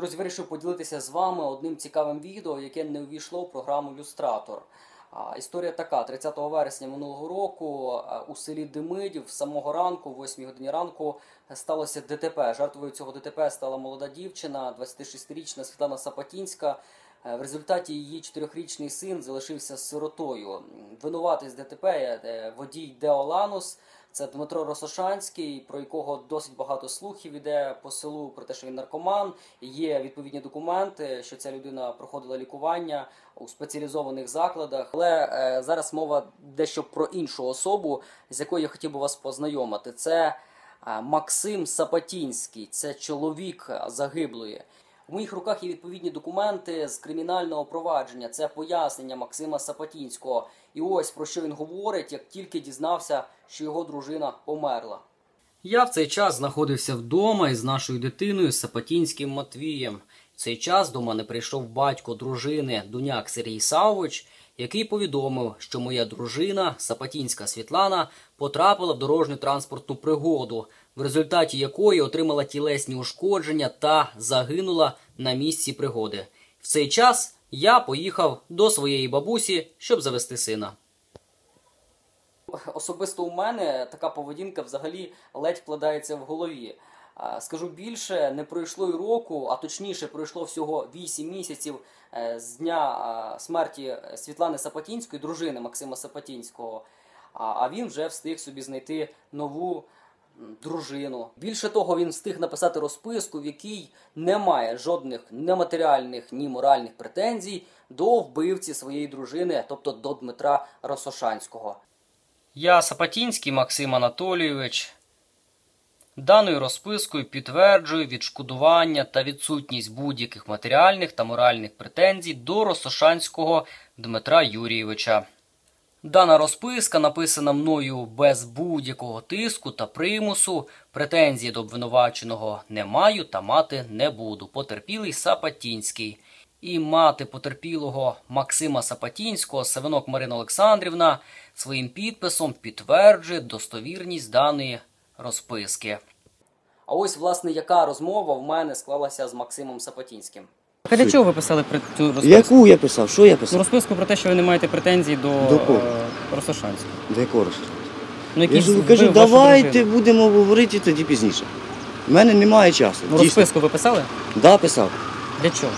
Друзі, вирішив поділитися з вами одним цікавим відео, яке не увійшло в програму «Люстратор». Історія така. 30 вересня минулого року у селі Демидів з самого ранку, в 8 годині ранку, сталося ДТП. Жертвою цього ДТП стала молода дівчина, 26-річна Світлана Сапатінська. В результаті її 4-річний син залишився сиротою. Винуватий з ДТП водій Део Ланус. Це Дмитро Росошанський, про якого досить багато слухів іде по селу про те, що він наркоман. Є відповідні документи, що ця людина проходила лікування у спеціалізованих закладах. Але зараз мова дещо про іншу особу, з якою я хотів би вас познайомити. Це Максим Сапатінський, це чоловік загиблої. У моїх руках є відповідні документи з кримінального провадження. Це пояснення Максима Сапатінського. І ось про що він говорить, як тільки дізнався, що його дружина померла. Я в цей час знаходився вдома із нашою дитиною Сапатінським Матвієм. В цей час до мене прийшов батько дружини, Дуняк Сергій Савович, який повідомив, що моя дружина, Сапатінська Світлана, потрапила в дорожню транспортну пригоду, в результаті якої отримала тілесні ушкодження та загинула на місці пригоди. В цей час я поїхав до своєї бабусі, щоб завести сина. Особисто у мене така поведінка взагалі ледь вкладається в голові. Скажу більше, не пройшло й року, а точніше пройшло всього 8 місяців з дня смерті Світлани Сапатінської, дружини Максима Сапатінського, а він вже встиг собі знайти нову дружину. Більше того, він встиг написати розписку, в якій немає жодних ні матеріальних, ні моральних претензій до вбивці своєї дружини, тобто до Дмитра Росошанського. Я, Сапатінський Максим Анатолійович, даною розпискою підтверджую відшкодування та відсутність будь-яких матеріальних та моральних претензій до Росошанського Дмитра Юрійовича. Дана розписка написана мною без будь-якого тиску та примусу, претензії до обвинуваченого не маю та мати не буду. Потерпілий Сапатінський. І мати потерпілого Максима Сапатінського, Савинок Марина Олександрівна, своїм підписом підтверджує достовірність даної розписки. А ось, власне, яка розмова в мене склалася з Максимом Сапатінським. А для чого ви писали цю розписку? Яку я писав? Що я писав? Розписку про те, що ви не маєте претензій до Росошанського. До якого Росошанського? Ну, Я ж кажу, давайте будемо говорити тоді пізніше. У мене немає часу. Ну, розписку ви писали? Да, писав. Для чого?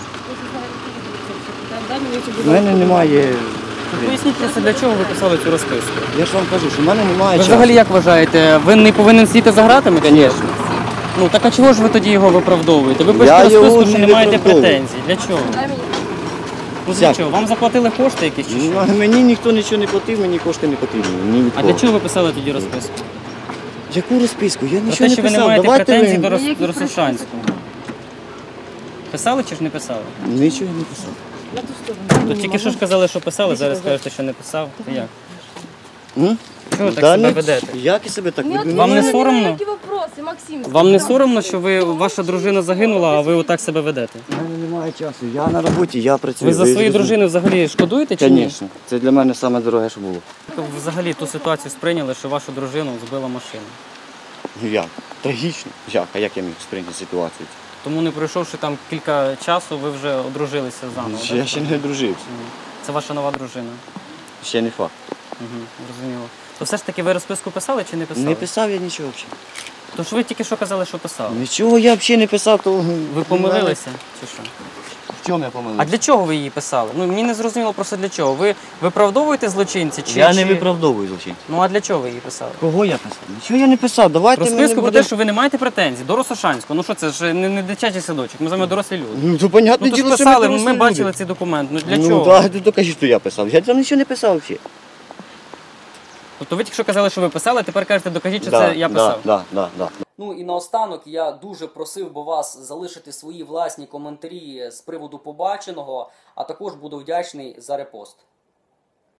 У мене немає... Поясніть просто, для чого ви писали цю розписку. Я ж вам кажу, що в мене немає Ви часу. взагалі як вважаєте, він не повинен сидіти за гратами? Звісно. Ну, так а чого ж ви тоді його виправдовуєте? Ви пишете розписку, що не маєте претензій. Для чого? Ну, для чого? Вам заплатили кошти якісь чи що? Мені ніхто нічого не платив, мені кошти не потрібні. А для чого ви писали тоді розписку? Яку розписку? Я Про нічого те, що не ви не писав. маєте Давайте претензій ви... до Росошанського. Писали чи ж не писали? Нічого не писав. То тільки що ж казали, що писали, зараз кажете, що не писав. То як? Чого так Да себе не- ведете? Як я себе так веду? Вам не соромно? Максим, Вам не соромно, що ваша дружина загинула, а ви отак себе ведете? У мене немає часу. Я на роботі, я працюю. Ви за свою дружину взагалі шкодуєте чи ні? Звісно. Це для мене саме дороге, що було. Ви взагалі ту ситуацію сприйняли, що вашу дружину збила машина. Ну як? Трагічно. Як? А як я міг сприйняти ситуацію? Тому не пройшовши там кілька часу, ви вже одружилися заново. Я так? ще не одружився. Це ваша нова дружина. Ще не факт. Зрозуміло. То все ж таки ви розписку писали чи не писали? Не писав я нічого взагалі. Тож ви тільки що казали, що писали. Нічого я взагалі не писав, то... Ви помилилися чи що? В чому я А помилився? для чого ви її писали? Ну мені не зрозуміло просто для чого. Ви виправдовуєте злочинці чи Я не виправдовую злочин. Ну а для чого ви її писали? Кого я писав? Нічого я не писав. Давайте ми не Розписку про будемо... те, що ви не маєте претензій до Росошанського. Ну що це ж не дитячий садочок, ми з вами дорослі люди. Ну, то понятне Ну то ж діло, що писали, дорослі ми люди. бачили цей документ. Ну для Ну чого? так, то докажіть, що я писав. Я там нічого не писав взагалі. Тобто ви тільки що казали, що ви писали, а тепер кажете, докажіть, що це я писав. Да. Ну і наостанок я дуже просив би вас залишити свої власні коментарі з приводу побаченого, а також буду вдячний за репост.